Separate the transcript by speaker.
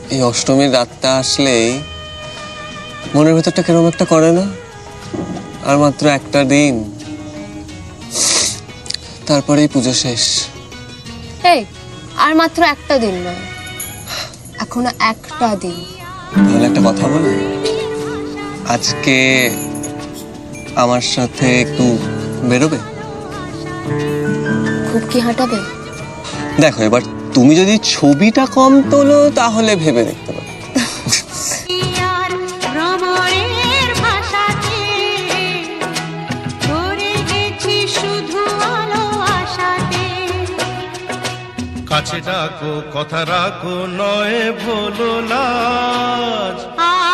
Speaker 1: এই অষ্টমীর রাতটা আসলেই মনের ভেতরটা কেরম একটা করে না? আর মাত্র একটা দিন, তারপরেই পুজো শেষ।
Speaker 2: এই, আর মাত্র একটা দিন নয়, এখনো একটা দিন।
Speaker 1: তাহলে একটা কথা বলি, আজকে আমার সাথে একটু বেরোবে?
Speaker 2: খুব কি হাঁটাবে?
Speaker 1: দেখো, এবার তুমি যদি ছবিটা কম তোলো তাহলে ভেবে দেখতে পারো।
Speaker 3: কাছে ডাকো, কথা রাখো, নয় ভোলো লাজ।